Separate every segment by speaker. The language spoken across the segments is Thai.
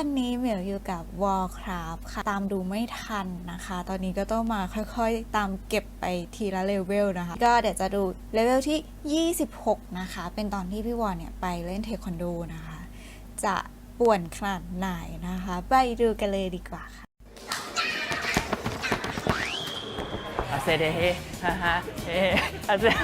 Speaker 1: วันนี้เหมียวอยู่กับ Warcraft ค่ะตามดูไม่ทันนะคะตอนนี้ก็ต้องมาค่อยๆตามเก็บไปทีละเลเวลนะคะก็เดี๋ยวจะดูเลเวลที่26นะคะเป็นตอนที่พี่วอเนี่ยไปเล่นเทควันโดนะคะจะป่วนขนาดไหนนะคะไปดูกันเลยดีกว่าค่ะ
Speaker 2: อาเซเดเฮฮ่าฮ่าเฮอาเซ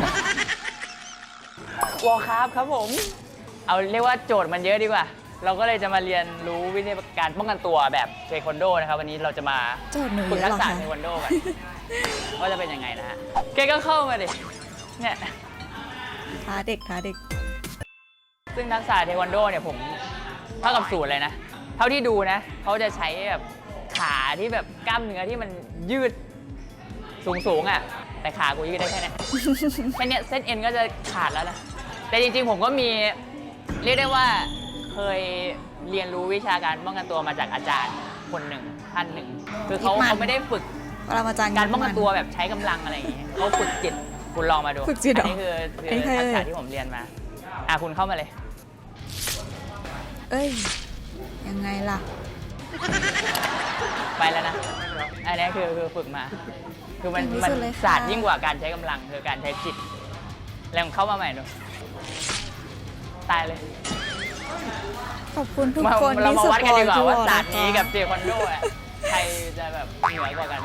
Speaker 2: วอลครับครับผมเอาเรียกว่าโจทย์มันเยอะดีกว่าเราก็เลยจะมาเรียนรู้วิธีการป้องกันตัวแบบเทควันโดนะครับวันนี้เราจะมาฝึกทักษะเทควันโดกันว่าจะเป็นยังไงนะฮะแกก็เข้ามาดิเนี่ย
Speaker 1: ท้าเด็ก
Speaker 2: ซึ่งทักษะเทควันโดเนี่ยผมเท่ากับศูนย์เลยนะเท่าที่ดูนะเขาจะใช้แบบขาที่แบบกล้ามเนื้อที่มันยืดสูงอ่ะแต่ขากูยืดได้แค่นี้แค่นี้เส้นเอ็นก็จะขาดแล้วนะแต่จริงๆผมก็มีเรียกได้ว่าเคยเรียนรู้วิชาการป้องกันตัวมาจากอาจารย์คนหนึ่งท่านหนึ่งคือเขาไม่ได้ฝึกการป้องกันตัวแบบใช้กำลังอะไรอย่างเงี้ยเขาฝึกจิตคุณลองมาดูอันนี้คือทักษะที่ผมเรียนมาคุณเข้ามาเลย
Speaker 1: เอ้ยยังไงล่ะ
Speaker 2: ไปแล้วนะอันนี้คือฝึกมาคือมันศาสตร์ยิ่งกว่าการใช้กำลังคือการใช้จิตแล้วเข้ามาใหม่ดูตายเลย
Speaker 1: ขอบคุณทุกคน
Speaker 2: เรามาวัดกันดีกว่าว่าศาสตร์
Speaker 1: นี้
Speaker 2: กับเทควันโดใครจะแบบเหนือกว่ากัน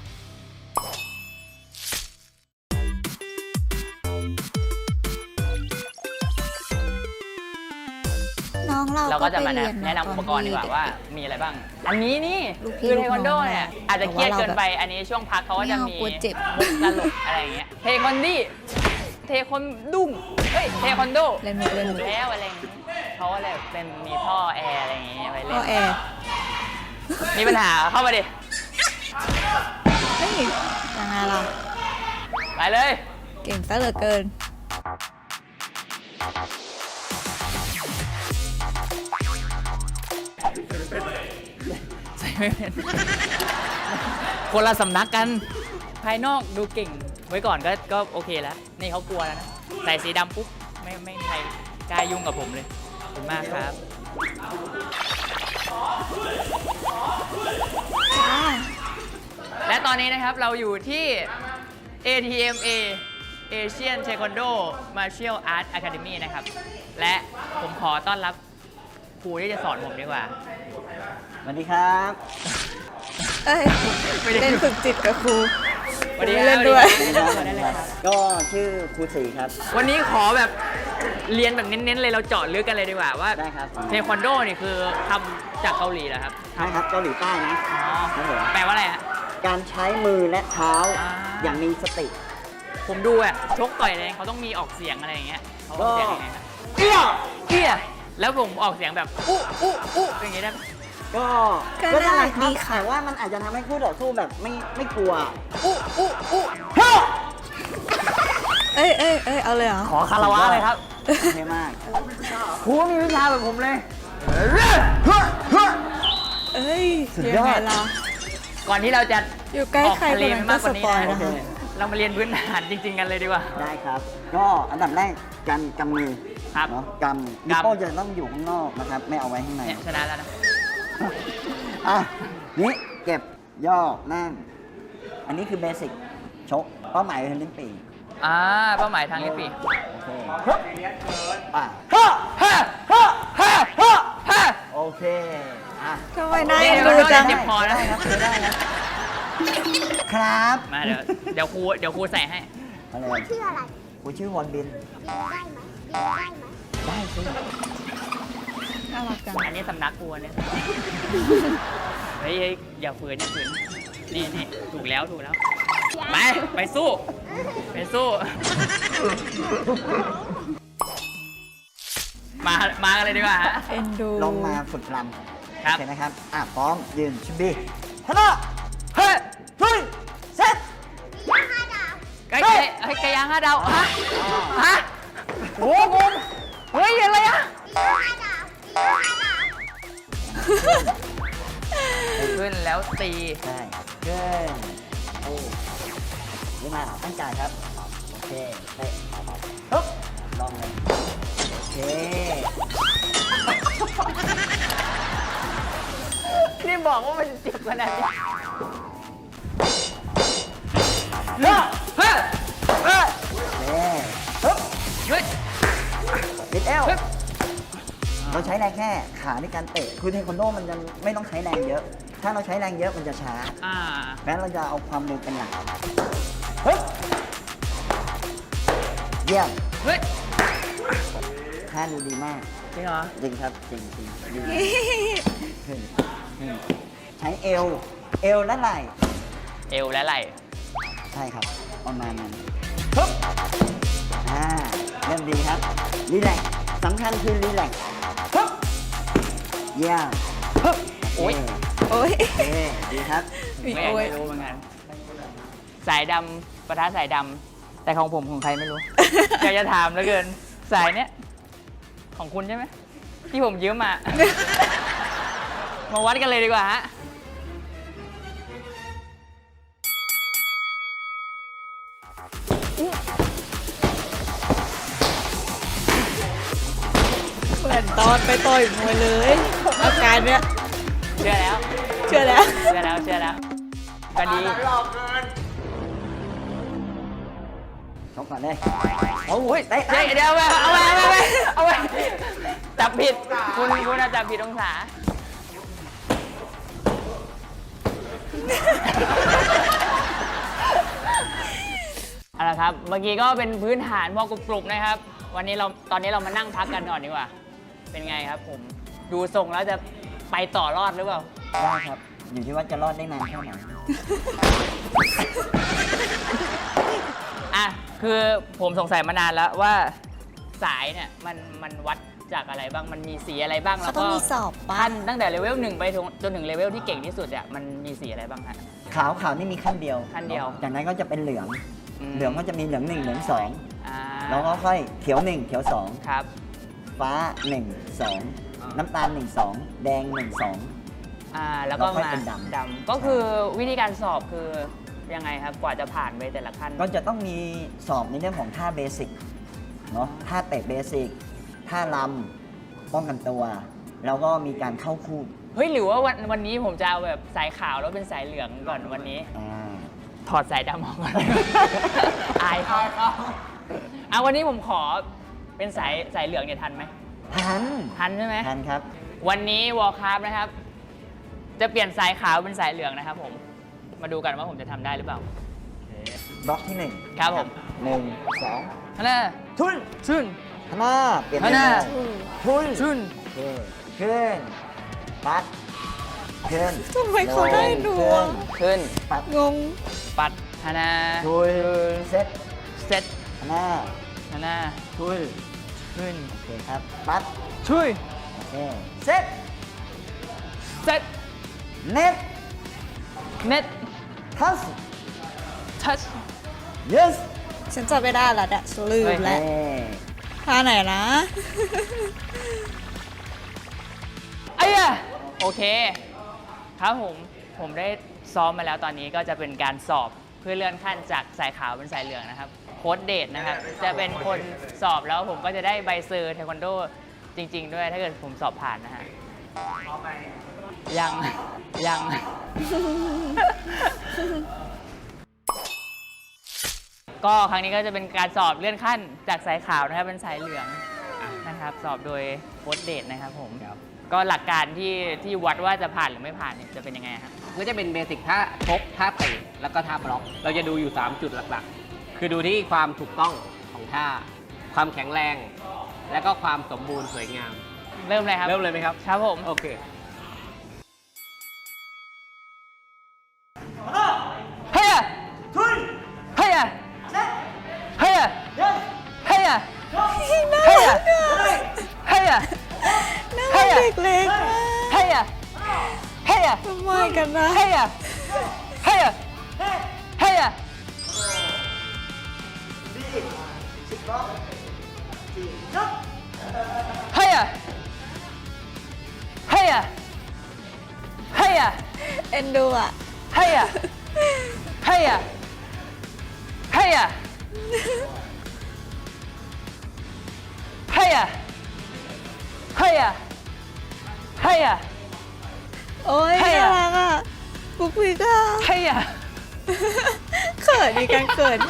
Speaker 1: น้อง
Speaker 2: เราก็จะมาแนะนำอุปกรณ์ดีกว่าว่ามีอะไรบ้างอันนี้นี่คือเทควันโดเนี่ยอาจจะเครียดเกินไปอันนี้ช่วงพักเขาก็จะมีตลกอะไรอย่างเงี้ยเทควันดี้เทควันดุ้งเฮ้ยเทควันโด
Speaker 1: เล่น
Speaker 2: แล้วอะไรอย่างเงี้ยเขาก็เลยเป็นมีท่อแอร์อะไรอย่างเงี้ยไปเล่น
Speaker 1: ท่อแอร์
Speaker 2: มีปัญหาเข้ามาดิ
Speaker 1: เฮ้ยยังไงล่ะ
Speaker 2: ไปเลย
Speaker 1: เก่งซะเหลือเกิน
Speaker 2: ใส่ไม่เป็นคนละสำนักกันภายนอกดูเก่งไว้ก่อนก็โอเคแล้วนี่เขากลัวแล้วนะใส่สีดำปุ๊บไม่มีใครกล้ายุ่งกับผมเลยขอบคุณมากครับและตอนนี้นะครับเราอยู่ที่ ATMA Asian Taekwondo Martial Arts Academy นะครับและผมขอต้อนรับครูที่จะสอนผมดีกว่า
Speaker 3: สวัสดีครับ
Speaker 1: เล่นฝึกจิตกับครู
Speaker 2: สวัสดี
Speaker 1: เล่นด้วย
Speaker 3: ก็ชื่อครูศรีครับ
Speaker 2: วันนี้ขอแบบเรียนแบบเน้นๆเลยเราเจาะลึกกันเลยดีกว่าว่าเทควันโดนี่คือทำจากเกาหลีเหรอครับ
Speaker 3: ใช่ครับเกาหลีใต้นะ
Speaker 2: แปลว่าอะไรฮะ
Speaker 3: การใช้มือและเท้าอย่างมีสติ
Speaker 2: ผมดูอะชกต่อยอะไรเขาต้องมีออกเสียงอะไรอย่างเงี้ยเขาออกเสียงยังไงครับ
Speaker 3: เอี้
Speaker 2: ยแล้วผมออกเสียงแบบอู้อย่างเงี้ยได้
Speaker 3: ก็ได้ดีค่ะว่ามันอาจจะทำให้คู่ต่อสู้แบบไม่กลัว
Speaker 1: เอ้ยเอาเลยเหรอ
Speaker 2: ขอคารวะเลยครับ
Speaker 3: เท่มาก
Speaker 2: ครูมีวิชาแบบผมเลย
Speaker 1: เอ้ยยังไงล่ะ
Speaker 2: ก่อนที่เราจะ
Speaker 1: อยู่ใกล้ใครคนนั้นก็สปอยนะ
Speaker 2: เรามาเรียนพื้นฐานจริงๆกันเลยดีกว่า
Speaker 3: ได้ครับก็อันดับแรกการกำมือ
Speaker 2: ครับ
Speaker 3: เนาะกำนิ้วโป้งจะต้องอยู่ข้างนอกนะครับไม่เอาไว้ข้างใน
Speaker 2: ชนะแล้วนะ
Speaker 3: นี่เก็บย่อนั่งอันนี้คือเบสิกชกเป้าหมายคือลิ้นปี่
Speaker 2: เป้าหมายทางลิ้นปี่
Speaker 3: โอเคโอเค
Speaker 1: ทำไมนายดูจัง
Speaker 2: เจ็บคอนะ
Speaker 3: ได้ครับ
Speaker 2: มาเดี๋ยวครูใส่ให้
Speaker 3: ชื่ออะไรกูชื่อวอนบินได้สิ
Speaker 1: น่ารักจัง
Speaker 2: อันนี้สำนักครูเนี่ยเฮ้ยอย่าฝืนนี่ถูกแล้วไปสู้มากันเลยดีกว่า
Speaker 1: เอ็นดู
Speaker 3: ลงมาฝึกรำ
Speaker 2: ครับ
Speaker 3: โอเคนะครับพร้อมยืนชิมบีฮัลโหลเฮ้ยเซ็ต
Speaker 2: ไก่ย่าง5 ดาวฮะโอ้โหเฮ้ยอะไรอะขึ้นแล้วตี
Speaker 3: ใช่ขึ้นนี่มาตั้งใจครับโอเคเตะปึ๊บลองเลยโอเค
Speaker 2: ได้บอกว่ามันเจ็บขนาดนี้เฮ้ยเฮ้ยเฮ้ย
Speaker 3: ฮึบ
Speaker 2: เฮ้ย
Speaker 3: บิดเอวเราใช้แรงแค่ขาในการเตะคือเทควันโดมันจะไม่ต้องใช้แรงเยอะ ถ้าเราใช้แรงเยอะมันจะช้า แม้เราจะเอาความเร็วเป็นหลักฮึบเยี่ยม
Speaker 2: เฮ้ย
Speaker 3: ท่าดูดีมาก
Speaker 2: จริงเหรอ
Speaker 3: จริงครับจริงจริงดีขึ้นใช้เอวและไหล่
Speaker 2: เอวและไหล่
Speaker 3: ใช่ครับประมาณนั้นฮึบเริ่มดีครับรีแลกซ์สำคัญคือรีแลกซ์ฮึบเยี่ยมฮึบ
Speaker 2: โอ้ย
Speaker 1: โอ้ย
Speaker 3: โอเคดีครับ
Speaker 1: มี
Speaker 2: ไม่
Speaker 1: โอ้ย
Speaker 2: รู้เหมือนกัน สายดำปะทะสายดำแต่ของผมของใครไม่รู้ อยากจะถามเหลือเกิน สายเนี้ยของคุณใช่ไหมที่ผมยืมมา มาวัดกันเลยดีกว่าฮะ
Speaker 1: เหมือนตอนไปต่อยมวยเลยอาการเนี้ย
Speaker 2: เชื่อแล้ว
Speaker 1: เชื่อแล้ว
Speaker 2: เชื่อแล้วเชื่อแล้วก็ดี
Speaker 3: ชกก่อนเลยโอ้ยเตะ
Speaker 2: เดี๋ยวเอาไปจับผิดคุณอะจับผิดองศาเอาละครับเมื่อกี้ก็เป็นพื้นฐานพอกรุบๆนะครับ ตอนนี้เรามานั่งพักกันก่อนดีกว่า เป็นไงครับผมดูทรงแล้วจะไปต่อรอดหรือเปล่า
Speaker 3: ได้ครับ อยู่ที่ว่าจะรอดได้นานแค่ไหน
Speaker 2: อ่ะคือผมสงสัยมานานแล้วว่าสายเนี่ยมันวัดจากอะไรบ้างมันมีสีอะไรบ้าง
Speaker 1: เขา
Speaker 2: แล้ว
Speaker 1: ต้อ
Speaker 2: ก็
Speaker 1: งมีสอบปะ
Speaker 2: ขั้นตั้งแต่เลเวล1ไปจนถึงเลเวลที่เก่งที่สุดเนี่ยมันมีสีอะไรบ้างฮะ
Speaker 3: ขาวนี่มีขั้นเดียว
Speaker 2: ขั้นเดียว
Speaker 3: จากนั้นก็จะเป็นเหลือง เหลืองก็จะมีเหลือง1เหลือง
Speaker 2: อ่า
Speaker 3: 2แล้วก็ค่อยเขียว1เขียว
Speaker 2: ครับ
Speaker 3: 2ฟ้า1 2น้ำตาล1 2แดง1 2
Speaker 2: แล้วก็
Speaker 3: แล้วค่อย
Speaker 2: มา
Speaker 3: เป็นดำ
Speaker 2: ก็คือวิธีการสอบคือยังไงครับกว่าจะผ่านไปแต่ละขั้น
Speaker 3: ก็จะต้องมีสอบในเรื่องของท่าเบสิกเนาะท่าเตะเบสิกท่าลำป้องกันตัว แล้วก็มีการเข้าคู่
Speaker 2: เฮ้ยหรือว่าวันนี้ผมจะเอาแบบสายขาวแล้วเป็นสายเหลืองก่อนวันนี้ ถอดสายดำออกก่อน อายเขาวันนี้ผมขอเป็นสายเหลืองเนี่ยทันไหม ทันใช่ไหม
Speaker 3: ทันครับ
Speaker 2: วันนี้วอลคราฟนะครับ จะเปลี่ยนสายขาวเป็นสายเหลืองนะครับผมมาดูกันว่าผมจะทำได้หรือเปล่า
Speaker 3: บล็อกที่1
Speaker 2: ครับผม
Speaker 3: 1 2
Speaker 2: ฮันน่า
Speaker 3: ทุน
Speaker 2: ชุน
Speaker 3: ข้างหน้าเปลี่ยน
Speaker 2: ข้างหน้า
Speaker 3: ทุน
Speaker 2: ชุน
Speaker 3: โอเคขึ้นปัดขึ้น
Speaker 1: ทำไมเขาได้หนูอะ
Speaker 2: ขึ้น
Speaker 3: ปัด
Speaker 1: งง
Speaker 2: ปัดฮันน่า
Speaker 3: ทุนเซ็ต
Speaker 2: เซ็ต
Speaker 3: ข้างหน้า
Speaker 2: ฮันน่า
Speaker 3: ทุน
Speaker 2: ขึ้น
Speaker 3: โอเคครับปัด
Speaker 2: ช่วย
Speaker 3: โอเคเซ็ต
Speaker 2: เซ็ต
Speaker 3: เน็ต
Speaker 2: เน็ต
Speaker 3: ทัส
Speaker 2: ทัช
Speaker 3: yes
Speaker 1: ฉันจำไม่ได้ละฉันลืมแล้ว
Speaker 3: เอ้ย
Speaker 1: ท่าไหนนะ
Speaker 2: ไอ้อะโอเค ครับผมได้ซ้อมมาแล้วตอนนี้ก็จะเป็นการสอบเพื่อเลื่อนขั้นจากสายขาวเป็นสายเหลืองนะครับโค้ชเดทนะครับจะเป็นคนสอบแล้วผมก็จะได้ใบเซอร์เทควันโดจริง ๆ ด้วยถ้าเกิดผมสอบผ่านนะฮะยัง ก็ครั้งนี้ก็จะเป็นการสอบเลื่อนขั้นจากสายขาวนะครับเป็นสายเหลืองนะครับสอบโดยโค้ชเดทนะครับผมก็หลักการที่วัดว่าจะผ่านหรือไม่ผ่านเนี่ยจะเป็นยังไงครับ
Speaker 4: ก็จะเป็นเบสิกท่าชกท่าเตะแล้วก็ท่าบล็อก เราจะดูอยู่ 3 จุดหลักๆ คือดูที่ความถูกต้องของท่า ความแข็งแรง และก็ความสมบูรณ์สวยงาม
Speaker 2: เริ่มเลยครับ
Speaker 4: เริ่มเลยไหมครับ
Speaker 2: ครับผม
Speaker 4: โอเค
Speaker 2: เฮ้ยเฮ้ยเฮ้ยเฮ้ย
Speaker 1: น่า
Speaker 2: เฮ้ย
Speaker 1: รักอะ
Speaker 2: เฮ้ย
Speaker 1: น่ารักเด็กเล็กมาก
Speaker 2: เฮ้ยเฮ้ย
Speaker 1: ทำไมกันนะ
Speaker 2: เฮ้ยเฮ้ยเฮ้ย เฮ้ยเฮ้ยเฮ้ย
Speaker 1: เอ็นดูอ่ะ
Speaker 2: เฮ้ยเฮ้ยเฮ้ยเฮ้ยเฮ้ยเฮ้ยเฮ้ย
Speaker 1: โอ้ย
Speaker 2: ใช่
Speaker 1: น่า
Speaker 2: อะ
Speaker 1: รักอ่ะปุ๊กปิ๊กอ่ะ
Speaker 2: ใช่อ่ะ
Speaker 1: เขินดีกันเขิน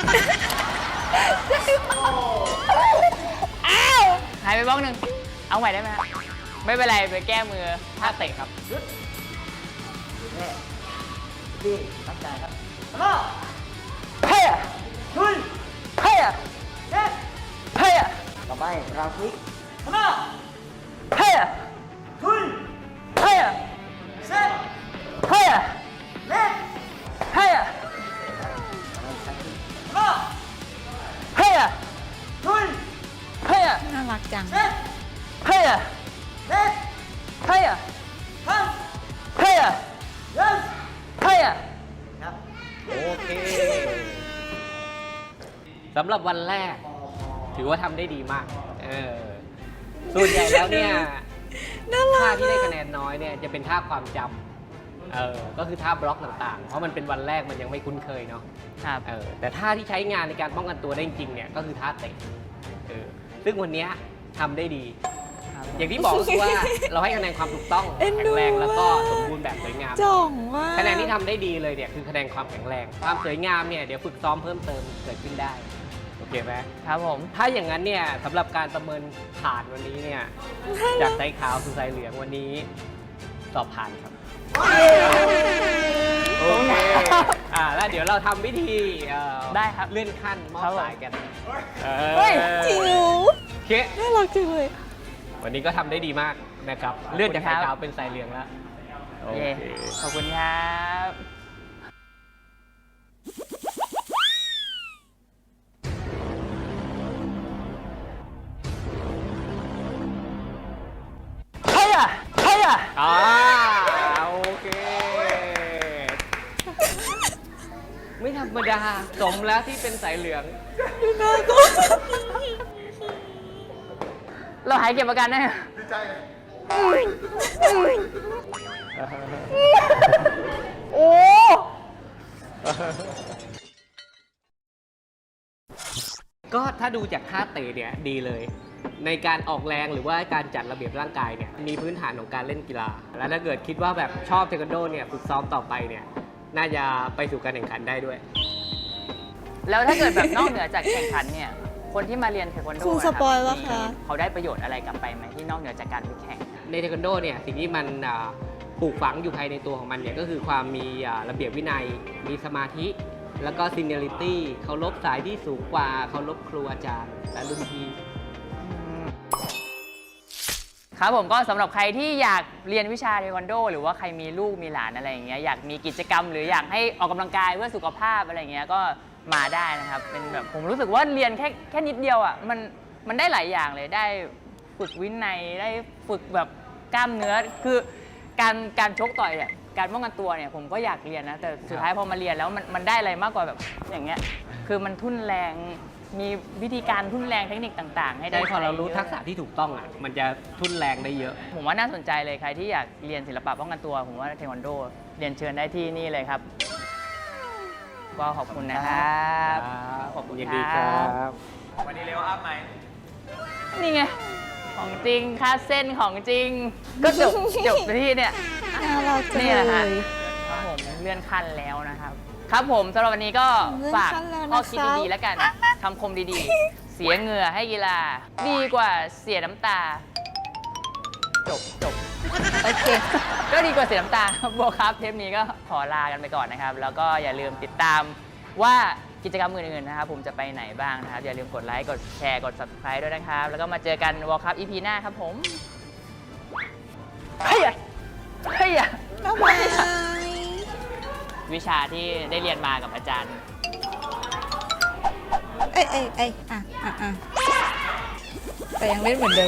Speaker 2: หายไปบล็อกหนึ่งเอาใหม่ได้ไหมฮะไม่เป็นไรไปแก้มือท่าเตะครับ
Speaker 3: นี่ดีตั้งใจครับฮัลโหล
Speaker 2: เฮ้ย
Speaker 3: ลุย
Speaker 2: เฮ้ย
Speaker 3: เซ็ต
Speaker 2: เฮ้ย
Speaker 3: ต่อไปเราคลิกฮัลโหล
Speaker 2: เฮ้ย
Speaker 3: ลุย
Speaker 2: เฮ้ย
Speaker 3: เซ็ต
Speaker 2: เฮ้ย
Speaker 3: เล็ก
Speaker 2: เฮ้ย
Speaker 3: ฮัลโหล
Speaker 2: เฮ้ย
Speaker 3: ลุย
Speaker 2: เฮ้ย
Speaker 1: น่ารักจัง
Speaker 3: เซ็ต
Speaker 2: เฮ้ย
Speaker 3: เล็ก
Speaker 2: เฮ้ย
Speaker 3: ฮัน
Speaker 2: เฮ้ย
Speaker 3: เดิน
Speaker 2: เฮ้ย
Speaker 3: ครับ
Speaker 4: โอเคสำหรับวันแรก ถือว่าทำได้ดีมาก ส่วนใหญ่แล้วเนี่ย
Speaker 1: น่ารั
Speaker 4: ท่าก ที่ได้คะแนนน้อยเนี่ยจะเป็นท่าความจำก็คือท่าบล็อกต่างๆ เพราะมันเป็นวันแรกมันยังไม่คุ้นเคยเนาะ
Speaker 2: ครับ
Speaker 4: แต่ท่าที่ใช้งานในการป้องกันตัวได้จริงๆเนี่ยก็คือท่าเตะซึ่งวันเนี้ยทำได้ดี อย่างที่บอกก็คือว่าเราให้คะแนนความถูกต้อง
Speaker 1: เอ็น
Speaker 4: แข็
Speaker 1: ดู
Speaker 4: งแรงแล้วก็
Speaker 1: อะ
Speaker 4: สมบูรณ์แบบสวยงาม
Speaker 1: จ่องมาก
Speaker 4: คะแนนที่ทำได้ดีเลยเนี่ยคือคะแนนความแข็งแรง ความสวยงามเนี่ยเดี๋ยวฝึกซ้อมเพิ่มเติมเกิดขึ้นได้ โอเคไหม
Speaker 2: ครับผม
Speaker 4: ถ้าอย่างนั้นเนี่ยสำหรับการประเมินผ่านวันนี้เนี่ยจากสายขาวสู่สายเหลืองวันนี้สอบผ่านครับ โอเคแล้วเดี๋ยวเราทำวิธี
Speaker 2: ได้ครับ
Speaker 4: เลื่อนขั้นมอบ
Speaker 2: ครับผม
Speaker 4: สายกัน
Speaker 1: เฮ้ยจิ๋ว
Speaker 4: โอเค
Speaker 1: น่ารักจังเลย
Speaker 4: วันนี้ก็ทำได้ดีมากนะครับ เลื่อนจากสายขาวเป็นสายเหลืองแล้วโอ
Speaker 2: เย้
Speaker 4: เค
Speaker 2: ขอบคุณครับ เฮ้ยเฮ้ย
Speaker 4: โอเค ไม่ธรรมดาสมแล้วที่เป็นสายเหลือง
Speaker 2: เราหายเก็บอาการได้ไหม โอ้
Speaker 4: ก็ถ้าดูจากท่าเตะเนี่ยดีเลย ในการออกแรงหรือว่าการจัดระเบียบร่างกายเนี่ยมีพื้นฐานของการเล่นกีฬา แล้วถ้าเกิดคิดว่าแบบชอบเทควันโดเนี่ยฝึกซ้อมต่อไปเนี่ยน่าจะไปสู่การแข่งขันได้ด้วย
Speaker 2: แล้วถ้าเกิดแบบนอกเหนือจากแข่งขันเนี่ย คนที่มาเรียนเทควันโด
Speaker 1: ครูสปอยล์ปะคะ
Speaker 2: เขาได้ประโยชน์อะไรกลับไปไหมที่นอกเหนือจากการไปแข่ง
Speaker 4: ในเทควันโดเนี่ยสิ่งที่มันปลูกฝังอยู่ภายในตัวของมันเนี่ยก็คือความมีระเบียบวินัย มีสมาธิ แล้วก็ซีเนียริตี้เคารพสายที่สูงกว่าเคารพครูอาจารย์และรุ่นพี่
Speaker 2: ครับผมก็สำหรับใครที่อยากเรียนวิชาเทควันโดหรือว่าใครมีลูกมีหลานอะไรอย่างเงี้ยอยากมีกิจกรรมหรืออยากให้ออกกำลังกายเพื่อสุขภาพอะไรอย่างเงี้ยก็มาได้นะครับเป็นแบบผมรู้สึกว่าเรียนแค่นิดเดียวอ่ะมันได้หลายอย่างเลยได้ฝึกวินัยได้ฝึกแบบกล้ามเนื้อคือการชกต่อยเนี่ยการป้องกันตัวเนี่ยผมก็อยากเรียนนะแต่สุดท้ายพอมาเรียนแล้วมันได้อะไรมากกว่าแบบอย่างเงี้ยคือมันทุ่นแรงมีวิธีการทุ่นแรงเทคนิคต่างๆ ให้ได้
Speaker 4: ใช่พอเรารู้
Speaker 2: ใช้
Speaker 4: ทักษะที่ถูกต้องอ่ะมันจะทุ่นแรงได้เยอะ
Speaker 2: ผมว่าน่าสนใจเลยใครที่อยากเรียนศิลปะป้องกันตัว ผมว่าเทควันโดเรียนเชิญได้ที่นี่เลยครับ ก็ขอบคุณนะครับขอบคุณ
Speaker 4: ยิน
Speaker 2: ค
Speaker 4: ดี
Speaker 2: รั
Speaker 4: ครับ บ
Speaker 2: วันนี้เร็วอัพไหมนี่ไงของจริงค่าเส้นของจริง ก็จบไปที่เนี่ย
Speaker 1: น่ารักจัง
Speaker 2: นี่แหละ
Speaker 1: เล
Speaker 2: ฮะ
Speaker 1: ย
Speaker 2: ครับผมเลื่อนขั้นแล้วนะครับ ครับผมสำหรับวันนี้ก็ฝาก
Speaker 1: เลื่อนขั้นแล้วนะคะ
Speaker 2: ข้อคิดดีๆแล้วกันคำคมดีๆ เสียเหงื่อให้กีฬา ดีกว่าเสียน้ำตา จบ
Speaker 1: โอเค
Speaker 2: ก็ดีกว่าเสียน้ำตาโบครับเทปนี้ก็ขอลากันไปก่อนนะครับ แล้วก็อย่าลืมติดตามว่ากิจกรรมอื่นๆนะครับผมจะไปไหนบ้างนะครับ อย่าลืมกดไลค์ กดแชร์ กด subscribe ด้วยนะครับ แล้วก็มาเจอกันวอลคัพ EP หน้าครับผมเฮ้ยอะ
Speaker 1: บ๊ายบาย
Speaker 2: วิชาที่ได้เรียนมากับอาจารย์
Speaker 1: เอ้ยแต่ยังเล่นเหมือนเดิม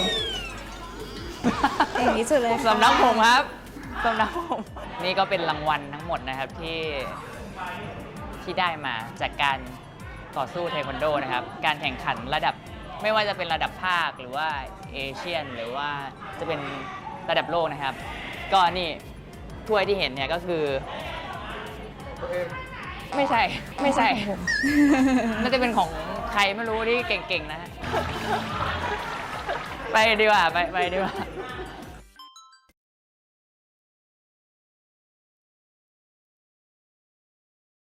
Speaker 1: อย่างนี้สุดเลยค่ะ
Speaker 2: สำนักผมครับสำนักผมนี่ก็เป็นรางวัลทั้งหมดนะครับที่ได้มาจากการต่อสู้เทควันโดนะครับ การแข่งขันระดับไม่ว่าจะเป็นระดับภาคหรือว่าเอเชียนหรือว่าจะเป็นระดับโลกนะครับ ก็นี่ถ้วยที่เห็นเนี่ยก็คือไม่ใช่น่าจะเป็นของใครไม่รู้ที่เก่งๆนะฮะไปดีกว่าไปดีกว่า